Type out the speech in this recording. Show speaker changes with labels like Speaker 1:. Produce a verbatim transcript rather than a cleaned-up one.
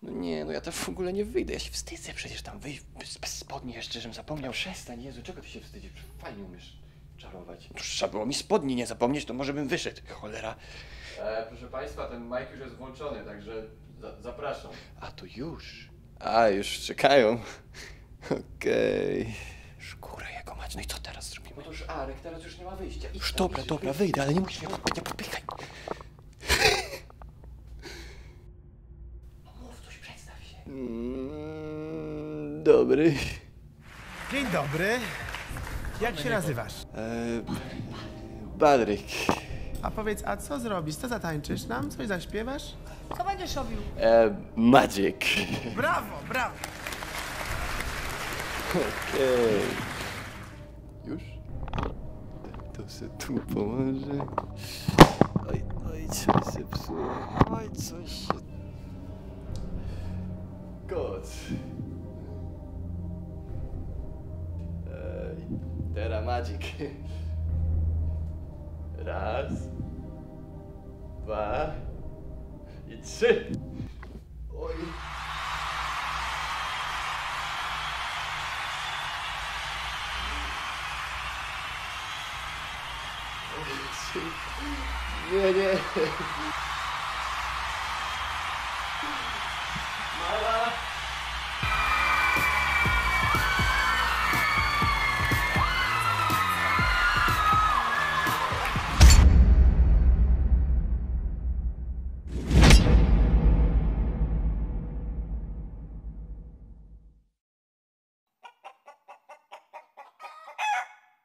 Speaker 1: No nie, no ja to w ogóle nie wyjdę. Ja się wstydzę przecież tam wyjść bez, bez spodni jeszcze, żebym zapomniał. Przestań, Jezu, czego ty się wstydzisz? Fajnie umiesz czarować. No, trzeba było mi spodni nie zapomnieć, to może bym wyszedł. Cholera.
Speaker 2: E, proszę Państwa, ten mic już jest włączony, także za zapraszam.
Speaker 1: A, to już. A, już czekają. Okej. Okay. Szkóra jego mać, no i co teraz zrobimy?
Speaker 2: Otóż Arek, teraz już nie ma wyjścia. Idź
Speaker 1: Już
Speaker 2: tam,
Speaker 1: dobra,
Speaker 2: musisz
Speaker 1: dobra,
Speaker 2: wyjść.
Speaker 1: wyjdę, ale nie musisz mnie podpychać, podpychaj.
Speaker 2: No mów coś, przedstaw się.
Speaker 1: Mm, dobry.
Speaker 3: Dzień dobry. Jak się nazywasz?
Speaker 1: Eee, Badryk.
Speaker 3: A powiedz, a co zrobisz? Co zatańczysz nam? Coś zaśpiewasz?
Speaker 4: Co będziesz robił?
Speaker 1: Eee, Magic.
Speaker 3: Brawo, brawo!
Speaker 1: Okej. Już? To se tu pomoże. Oj, oj, coś się psuło. Oj, coś się... Koc. Ej, teraz Magic. Raz. Dwa. I trzy. Oj. Nie, nie.